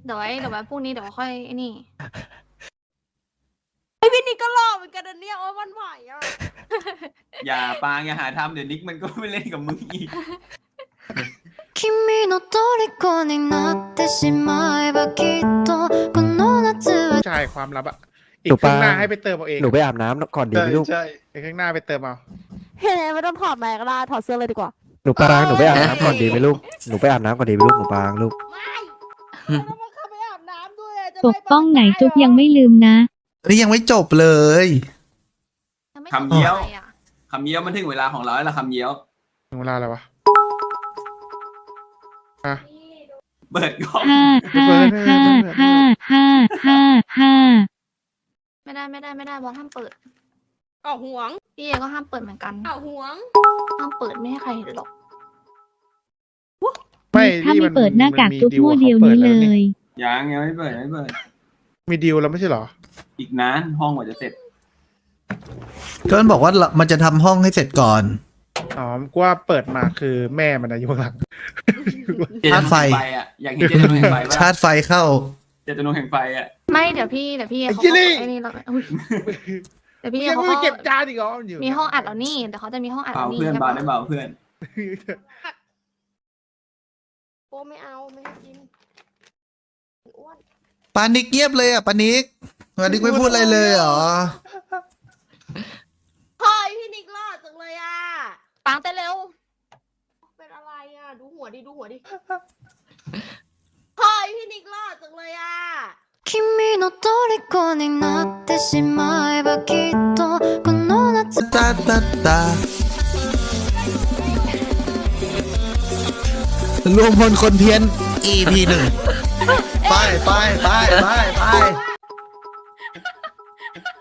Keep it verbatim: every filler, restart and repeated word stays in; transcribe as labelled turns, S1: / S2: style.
S1: เดี๋ยวไว้เดี๋ยวไว้พรุ่งนี้เดี๋ยวค่อยไอ้นี่
S2: ไอพี่นิกก็หล่อเหมือนกันนะเนี่ยโอ้ยวันไหวอ่ะ
S3: อย่าปางอย่าหาทำเดี๋ยวนิกมันก็ไม่เล่นกับมึงอีก
S4: 君の虜になってしまえばきっとこの夏は
S5: ใช่ความลับอะอีกครึ่งหน้าให้ไปเติมเอาเอง
S6: หนูไปอาบน้ำก่อนดีไหมลูก
S5: ใช่อีกครึ่งหน้าไปเติมเอา
S2: เฮ้ยไม่ต้องถอดแมสก็ได้ถอดเสื้อเลยดีกว่า
S6: หนูปรางหนูไปอาบน้ำก่อนดีไหมลูกหนูไปอาบน้ำก่อนดีไหมลูกหนูปรางลูก
S2: ไม่ไม่ต้องมาเข้าไปอาบน้ำด้วยจะ
S7: ปกป้องไหนจุ๊บยังไม่ลืมนะ
S8: เฮ้ยยังไม่จบเลย
S1: ยังไม่
S3: คำเยี่ยว
S1: จบอะไรอะ
S3: คำเยี่ยวมันถึงเวลาของเราแล้วล่ะคำเยี่ยว
S5: ถึงเวลาอะไรวะอ่ะ
S3: เปิดกล้อง
S7: ห้าห้าห้าห้าห้าห้าห้า
S1: ไม่ได้ไม่ได้ไม่ได้บอสห้ามเปิด
S2: เอาห่วง
S1: พี่เอก็ห้ามเปิดเหมือนกัน
S2: เอาห่วง
S1: ห้ามเปิดไม่ให้ใครเห็นหรอก
S5: ไม่
S7: ถ้า
S5: นี่
S7: ไม่
S5: น
S7: เปิดหน้ากาก
S5: มี
S7: จุ๊บ
S5: ดิ
S7: มั่วเดียว
S5: ขาปิ
S7: นี้เล
S5: แวย
S3: ยังยังไม่เปิดไม่เปิด
S5: มีดีลแล้วไม่ใช่เหรอ
S3: อีกนานห้องกว่าจะเสร็จ
S8: ก็มันบอกว่ามันจะทำห้องให้เสร็จก่อน
S5: อ๋อกูว่าเปิดมาคือแม่มันอะอยู่ข้างหลัง
S8: ชาร์จไฟ
S3: อ่ะอยากเห็นเจตนาแห่งไฟ
S8: ชาร์จไฟเข้า
S3: เจตนาแห่งไฟอ่ะ
S1: ไม่เดี๋ยวพี่เดี๋ยวพี่
S5: ไอ้
S1: เขา
S5: จิ
S1: ก็
S5: ลี่
S1: ไอ้นี่แล้วอุ๊ยเดี๋ยวพี่
S5: ยัง
S1: เขา
S5: ไม่
S1: ก็
S5: เก็บจานอีกเหรออยู่
S1: มีห้องอัดแล้วนี่เดี๋ยวเขาจะมีห้องอัด
S3: เบา
S1: แล้วนี่
S3: เพื่อน
S1: ใช่
S3: เบา
S1: ปะ
S3: ได้เบาเพื่อน
S2: โอ้ไม่เอาไม่ให้กินอ้วน
S8: ปานิกเงียบเลยอ่ะปานิกปานิกไม่พูดอะไรเลยเหรอ
S2: เฮ้ยพี่นิกหล่อจังเลยอ่ะ
S1: ปังเต้นเร็ว
S2: เป็นอะไรอ่ะดูหัวดิดูหัวดิเฮ้ยพี่นิกหล่อจังเลยอ่ะ
S4: 君の虜になってしまえばきっとこの夏
S8: ตาตาตา รวมพลคนเพี้ยน อี พี หนึ่ง ไปไปไปไปไป